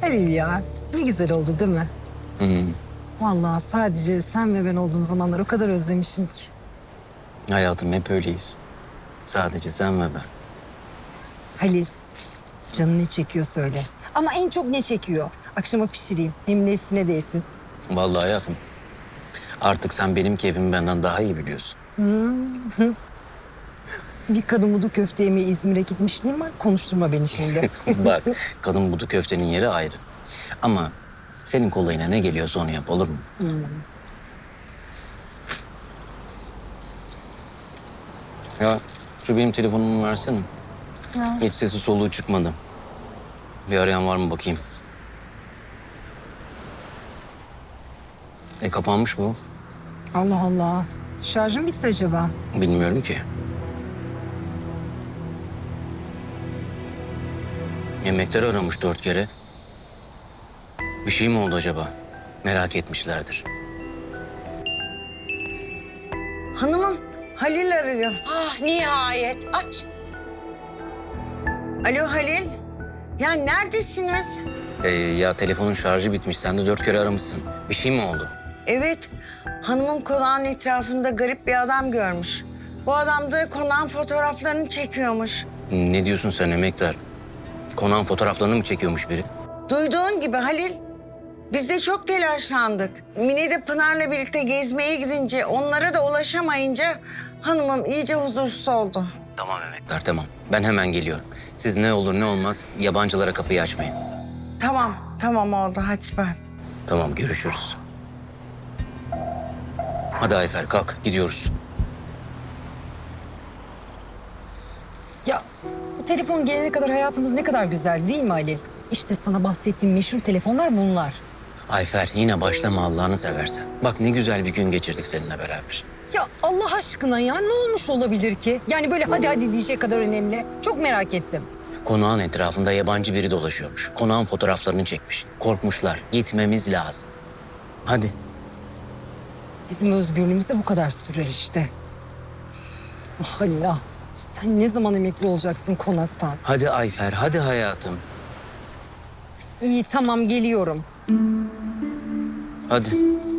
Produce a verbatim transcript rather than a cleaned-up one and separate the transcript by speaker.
Speaker 1: Halil ya, ne güzel oldu değil mi?
Speaker 2: Hı hı.
Speaker 1: Vallahi sadece sen ve ben olduğum zamanlar o kadar özlemişim ki.
Speaker 2: Hayatım hep öyleyiz. Sadece sen ve ben.
Speaker 1: Halil, canın ne çekiyor söyle. Ama en çok ne çekiyor? Akşama pişireyim, hem nefsine değsin.
Speaker 2: Vallahi hayatım. Artık sen benim keyfimi benden daha iyi biliyorsun.
Speaker 1: Bir kadın budu köfte yemeye İzmir'e gitmişliğim var. Konuşturma beni şimdi.
Speaker 2: Bak, kadın budu köftenin yeri ayrı. Ama senin kolayına ne geliyorsa onu yap, olur mu? Ya şu benim telefonumu versene.
Speaker 1: Ya.
Speaker 2: Hiç sesi soluğu çıkmadı. Bir arayan var mı bakayım. E kapanmış bu.
Speaker 1: Allah Allah. Şarjım bitti acaba?
Speaker 2: Bilmiyorum ki. Yemekler aramış dört kere. Bir şey mi oldu acaba? Merak etmişlerdir.
Speaker 3: Hanımım, Halil arıyor.
Speaker 4: Ah nihayet aç.
Speaker 3: Alo Halil. Ya neredesiniz?
Speaker 2: Ee, ya telefonun şarjı bitmiş. Sen de dört kere aramışsın. Bir şey mi oldu?
Speaker 3: Evet, hanımım konağın etrafında garip bir adam görmüş. Bu adam da konağın fotoğraflarını çekiyormuş.
Speaker 2: Ne diyorsun sen emektar? Konağın fotoğraflarını mı çekiyormuş biri?
Speaker 3: Duyduğun gibi Halil. Biz de çok telaşlandık. Mine de Pınar'la birlikte gezmeye gidince, onlara da ulaşamayınca hanımım iyice huzursuz oldu.
Speaker 2: Tamam emektar tamam. Ben hemen geliyorum. Siz ne olur ne olmaz yabancılara kapıyı açmayın.
Speaker 3: Tamam, tamam oldu. Hadi ben.
Speaker 2: Tamam görüşürüz. Hadi Ayfer kalk gidiyoruz.
Speaker 1: Ya bu telefon gelene kadar hayatımız ne kadar güzel değil mi Halil? İşte sana bahsettiğim meşhur telefonlar bunlar.
Speaker 2: Ayfer yine başlama Allah'ını seversen. Bak ne güzel bir gün geçirdik seninle beraber.
Speaker 1: Ya Allah aşkına ya ne olmuş olabilir ki? Yani böyle hadi hadi diyecek kadar önemli. Çok merak ettim.
Speaker 2: Konağın etrafında yabancı biri dolaşıyormuş. Konağın fotoğraflarını çekmiş. Korkmuşlar. Gitmemiz lazım. Hadi.
Speaker 1: Bizim özgürlüğümüz de bu kadar sürer işte. Ah Halil ah. Sen ne zaman emekli olacaksın konaktan?
Speaker 2: Hadi Ayfer, hadi hayatım.
Speaker 1: İyi tamam geliyorum.
Speaker 2: Hadi.